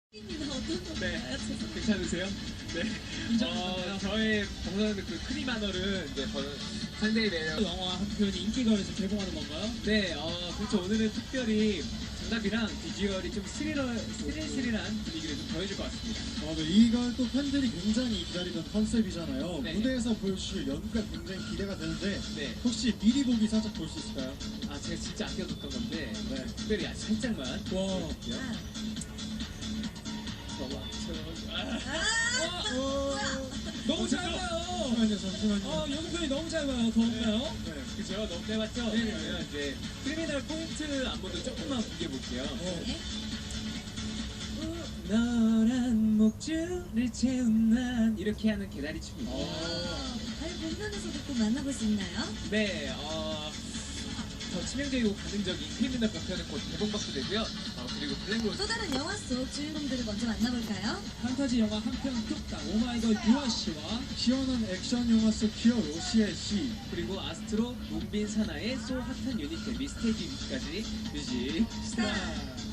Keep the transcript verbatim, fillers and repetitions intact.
네, 괜찮으세요? 네. 어, 저의 방송하는 그 크리마널은 이제 저는 상당히 매력. 영화 한 편이 인기가에서 개봉하는 건가요? 네, 어, 그렇죠. 오늘은 특별히 정답이랑 비주얼이 좀 스리러, 스릴스릴한 분위기를 좀 더해줄 것 같습니다. 어, 네, 이걸 또 팬들이 굉장히 기다리던 컨셉이잖아요. 네. 무대에서 보여주실 연기가 굉장히 기대가 되는데 네. 혹시 미리 보기 살짝 볼 수 있을까요? 아, 제가 진짜 아껴뒀던 건데 네. 특별히 아주 살짝만. 와. 보여드릴게요. 저와 저. 어, 너무 짧아요. 잠시만요, 잠시만요. 어, 연편이 너무 짧아요. 더 없나요? 네. 그죠? 너무 짧았죠? 네. 그러면 이제 크리미널 포인트 안무도 조금만 공개해볼게요. 어. 너란 목줄을 채운 난 이렇게 하는 개다리 춤입니다. 어. 아니 본편에서도 또 만나볼 수 있나요? 네, 어, 더 치명적이고 가능적인 크리미널 버편은 곧 개봉박도 되고요. 어, 그리고 블랙로즈. 또 다른 영화 속 주인공들을 먼저 만나볼까요? 판타지 영화 한 편 뚝딱 오마이걸 유아 씨와 시원한 액션 영화 속 히어로 시엘 씨. 그리고 아스트로, 문빈 사나의 소 핫한 유닛 데뷔 스테이지 위까지 뮤직 스타.